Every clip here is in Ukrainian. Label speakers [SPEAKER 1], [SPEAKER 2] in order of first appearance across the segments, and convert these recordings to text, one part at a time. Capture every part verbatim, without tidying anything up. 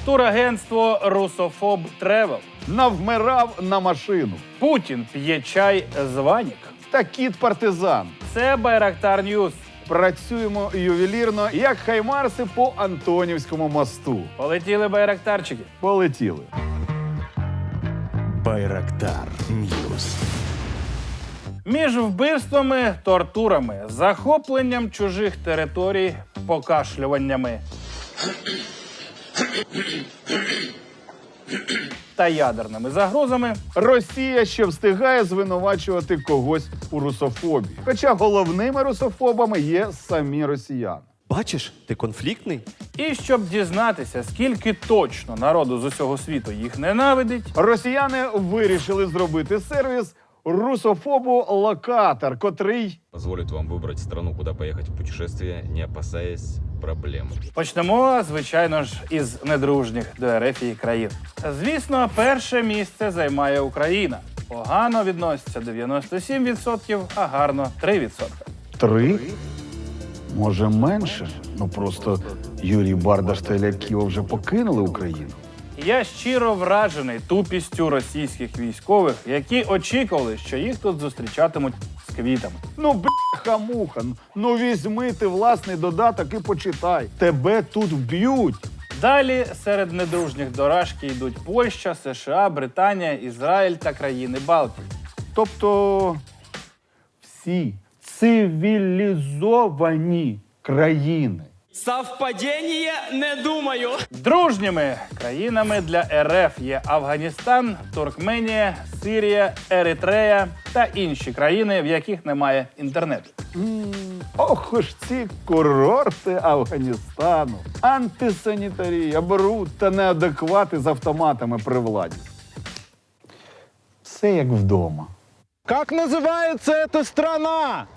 [SPEAKER 1] Турагентство «Русофоб Тревел».
[SPEAKER 2] Навмирав на машину.
[SPEAKER 1] Путін п'є чай з Ванік.
[SPEAKER 2] Та кіт-партизан.
[SPEAKER 1] Це Байрактар Ньюс.
[SPEAKER 2] Працюємо ювелірно, як хаймарси по Антонівському мосту.
[SPEAKER 1] Полетіли байрактарчики.
[SPEAKER 2] Полетіли.
[SPEAKER 3] Байрактар Ньюс.
[SPEAKER 1] Між вбивствами, тортурами, захопленням чужих територій, покашлюваннями та ядерними загрозами
[SPEAKER 2] Росія ще встигає звинувачувати когось у русофобії. Хоча головними русофобами є самі росіяни.
[SPEAKER 3] Бачиш, ти конфліктний?
[SPEAKER 1] І щоб дізнатися, скільки точно народу з усього світу їх ненавидить,
[SPEAKER 2] Росіяни вирішили зробити сервіс русофобу-локатор, котрий
[SPEAKER 4] Позволит вам выбрать страну, куда поехать в путешествие, не опасаясь проблем.
[SPEAKER 1] почнемо, звичайно ж, із недружніх до РФ країн. Звісно, перше місце займає Україна. Погано відноситься дев'яносто сім відсотків, а гарно три відсотки.
[SPEAKER 2] три? Може менше? Ну просто Юрій Бардаш та Ілля Ківа вже покинули Україну.
[SPEAKER 1] Я щиро вражений тупістю російських військових, які очікували, що їх тут зустрічатимуть з квітами.
[SPEAKER 2] Ну, бляха-муха, ну візьми ти власний додаток і почитай. Тебе тут вб'ють.
[SPEAKER 1] Далі серед недружніх до Рашки йдуть Польща, США, Британія, Ізраїль та країни Балтії.
[SPEAKER 2] Тобто всі цивілізовані країни.
[SPEAKER 5] Совпадение? Не думаю.
[SPEAKER 1] Дружніми країнами для РФ є Афганістан, Туркменія, Сирія, Еритрея та інші країни, в яких немає інтернету.
[SPEAKER 2] Ох ж ці курорти Афганістану. Антисанітарія, бруд та неадеквати з автоматами при владі. Все як вдома.
[SPEAKER 6] Как называется эта страна?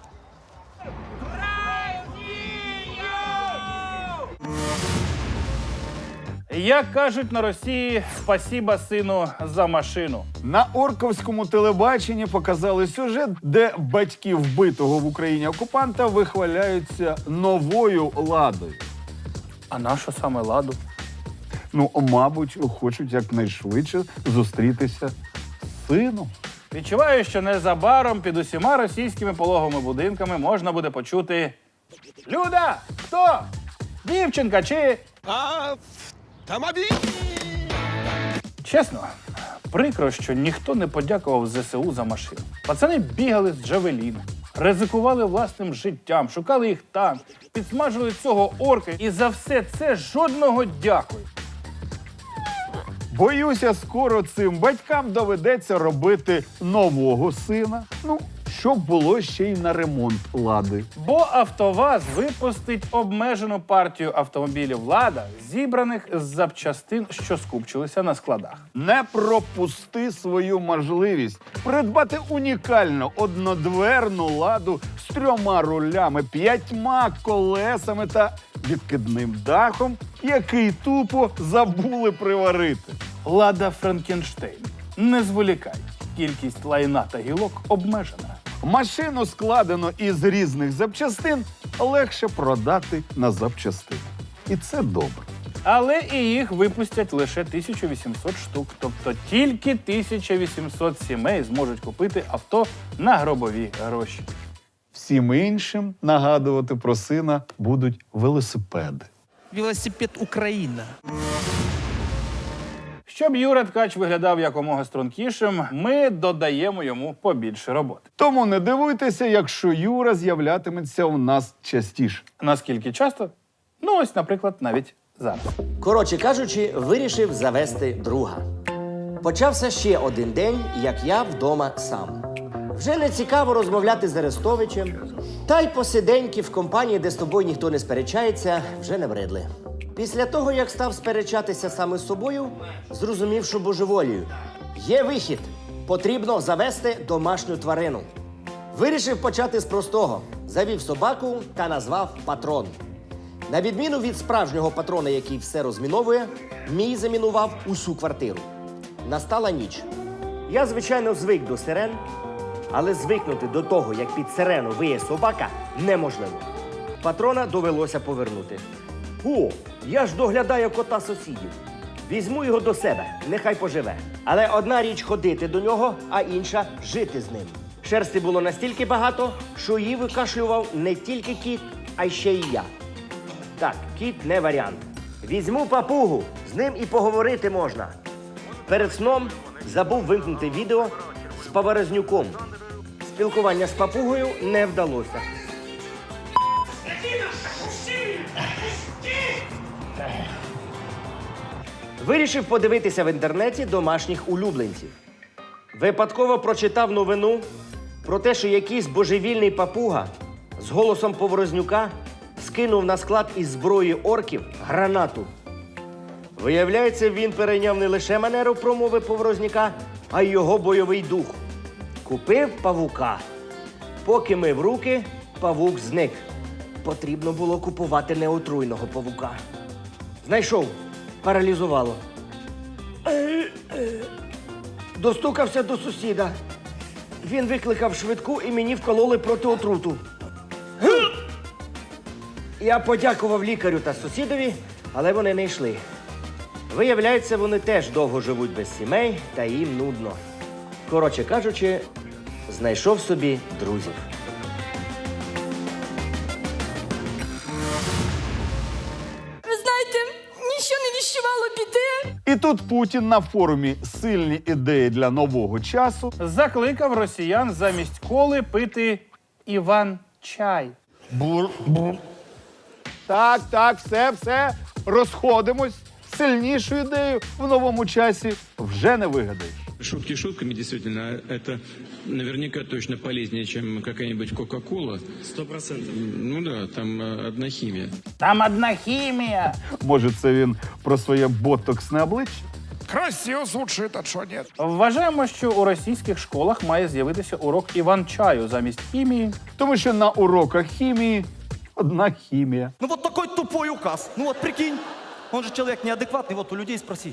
[SPEAKER 1] Як кажуть на Росії, спасіба сину за машину.
[SPEAKER 2] На орковському телебаченні показали сюжет, де батьки вбитого в Україні окупанта вихваляються новою ладою.
[SPEAKER 1] А нащо саме ладу?
[SPEAKER 2] Ну, мабуть, хочуть якнайшвидше зустрітися з сином.
[SPEAKER 1] Відчуваю, що незабаром під усіма російськими пологовими будинками можна буде почути: Люда! Хто? Дівчинка чи...
[SPEAKER 6] Автомобиль!
[SPEAKER 1] Чесно, прикро, що ніхто не подякував ЗСУ за машину. Пацани бігали з Джавеліном, ризикували власним життям, шукали їх там, підсмажили цього орка, і за все це жодного дякую.
[SPEAKER 2] Боюся, скоро цим батькам доведеться робити нового сина. Ну, щоб було ще й на ремонт лади.
[SPEAKER 1] Бо АвтоВАЗ випустить обмежену партію автомобілів «Лада», зібраних з запчастин, що скупчилися на складах.
[SPEAKER 2] Не пропусти свою можливість придбати унікальну однодверну ладу з трьома рулями, п'ятьма колесами та відкидним дахом, який тупо забули приварити.
[SPEAKER 1] «Лада Франкенштейн». Не зволікай. Кількість лайна та гілок обмежена.
[SPEAKER 2] Машину, складено із різних запчастин, легше продати на запчастини. І це добре.
[SPEAKER 1] Але і їх випустять лише тисячу вісімсот штук. Тобто тільки тисяча вісімсот сімей зможуть купити авто на гробові гроші.
[SPEAKER 2] Всім іншим нагадувати про сина будуть велосипеди.
[SPEAKER 5] Велосипед Украина.
[SPEAKER 1] Щоб Юра Ткач виглядав якомога стрункішим, ми додаємо йому побільше роботи.
[SPEAKER 2] Тому не дивуйтеся, якщо Юра з'являтиметься у нас частіше.
[SPEAKER 1] Наскільки часто? Ну ось, наприклад, навіть зараз.
[SPEAKER 7] Коротше кажучи, вирішив завести друга. Почався ще один день, як я вдома сам. Вже не цікаво розмовляти з Арестовичем, та й посиденьки в компанії, де з тобою ніхто не сперечається, вже не вредли. Після того, як став сперечатися саме з собою, зрозумів, що божеволію. Є вихід. Потрібно завести домашню тварину. Вирішив почати з простого. Завів собаку та назвав Патрон. На відміну від справжнього патрона, який все розміновує, мій замінував усю квартиру. Настала ніч. Я, звичайно, звик до сирен, але звикнути до того, як під сирену виє собака, неможливо. Патрона довелося повернути. О, я ж доглядаю кота сусідів. Візьму його до себе, нехай поживе. Але одна річ ходити до нього, а інша жити з ним. Шерсти було настільки багато, що її викашлював не тільки кіт, а й ще й я. Так, кіт не варіант. Візьму папугу, з ним і поговорити можна. Перед сном забув вимкнути відео з Поворознюком. Спілкування з папугою не вдалося. Вирішив подивитися в інтернеті домашніх улюбленців. Випадково прочитав новину про те, що якийсь божевільний папуга з голосом Поворознюка скинув на склад із зброї орків гранату. Виявляється, він перейняв не лише манеру промови Поворознюка, а й його бойовий дух. Купив павука. Поки мив руки, павук зник. Потрібно було купувати неотруйного павука. Знайшов. Паралізувало. Достукався до сусіда. Він викликав швидку і мені вкололи проти отруту. Я подякував лікарю та сусідові, але вони не йшли. Виявляється, вони теж довго живуть без сімей та їм нудно. Коротше кажучи, знайшов собі друзів.
[SPEAKER 8] Ви знаєте, нічого не віщувало біди.
[SPEAKER 2] І тут Путін на форумі «Сильні ідеї для нового часу»
[SPEAKER 1] Закликав росіян замість коли пити Іван-чай.
[SPEAKER 2] Так, так, все, все, розходимось. Сильнішу ідею в новому часі вже не вигадаєш.
[SPEAKER 9] Шутки шутками, действительно, это наверняка точно полезнее, чем какая-нибудь Кока-Кола. Сто процентов. Ну да, там э, одна химия.
[SPEAKER 1] Там одна хімія.
[SPEAKER 2] Може, це він про своє ботоксне обличчя?
[SPEAKER 6] Красиво звучит, а что нет?
[SPEAKER 1] Вважаємо, що у російських школах має з'явитися урок Іван-чаю замість хімії.
[SPEAKER 2] Тому що на уроках хімії одна хімія.
[SPEAKER 5] Ну вот такой тупой указ. Ну вот прикинь, он же человек неадекватный, вот у людей спроси.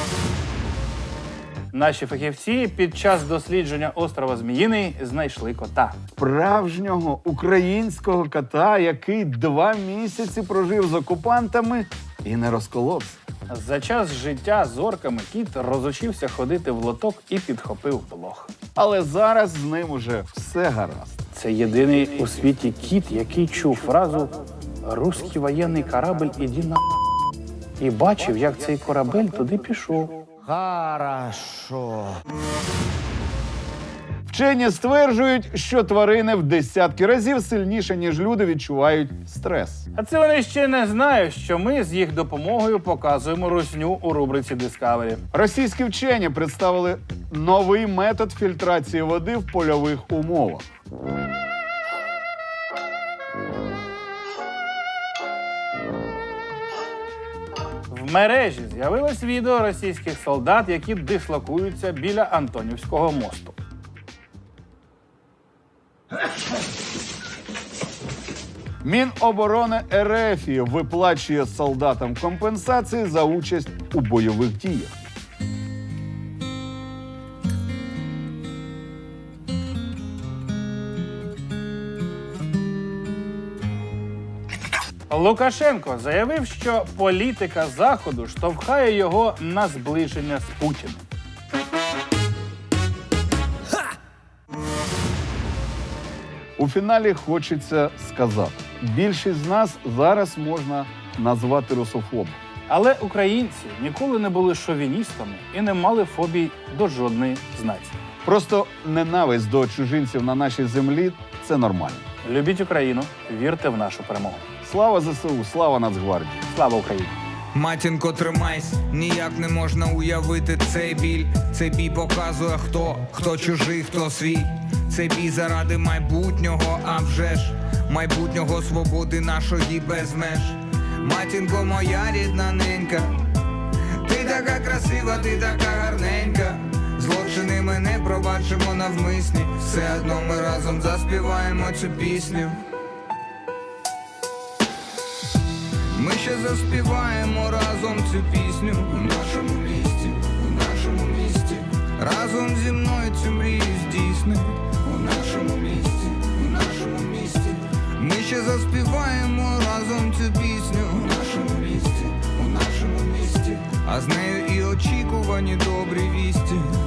[SPEAKER 1] Наші фахівці під час дослідження острова Зміїний знайшли кота.
[SPEAKER 2] Справжнього українського кота, який два місяці прожив з окупантами і не розколовся.
[SPEAKER 1] За час життя з орками кіт розучився ходити в лоток і підхопив блох.
[SPEAKER 2] Але зараз з ним уже все гаразд.
[SPEAKER 1] Це єдиний у світі кіт, який чув фразу «Руський воєнний корабль, іди на…» і бачив, як цей корабель туди пішов.
[SPEAKER 7] Хорошо.
[SPEAKER 2] Вчені стверджують, що тварини в десятки разів сильніше, ніж люди, відчувають стрес.
[SPEAKER 1] А це вони ще не знають, що ми з їх допомогою показуємо русню у рубриці Discovery.
[SPEAKER 2] Російські вчені представили новий метод фільтрації води в польових умовах.
[SPEAKER 1] В мережі з'явилось відео російських солдат, які дислокуються біля Антонівського мосту.
[SPEAKER 2] Міноборони РФ виплачує солдатам компенсації за участь у бойових діях.
[SPEAKER 1] Лукашенко заявив, що політика Заходу штовхає його на зближення з Путіним.
[SPEAKER 2] У фіналі хочеться сказати, більшість з нас зараз можна назвати русофобом.
[SPEAKER 1] Але українці ніколи не були шовіністами і не мали фобій до жодної з націй.
[SPEAKER 2] Просто ненависть до чужинців на нашій землі – це нормально.
[SPEAKER 1] Любіть Україну, вірте в нашу перемогу.
[SPEAKER 2] Слава ЗСУ, слава Нацгвардії!
[SPEAKER 1] Слава Україні!
[SPEAKER 10] Матінко, тримайся, ніяк не можна уявити цей біль. Цей бій показує, хто, хто чужий, хто свій. Цей бій заради майбутнього, а вже ж майбутнього свободи нашої без меж. Матінко, моя рідна ненька, ти така красива, ти така гарненька. Злочини ми не пробачимо навмисні, все одно ми разом заспіваємо цю пісню. Ми ще заспіваємо разом цю пісню у нашому місті, у нашому місті. Разом зі мною цю мрію здійсни у нашому місті, у нашому місті. Ми ще заспіваємо разом цю пісню у нашому місті, у нашому місті. а з нею і очікувані добрі вісті.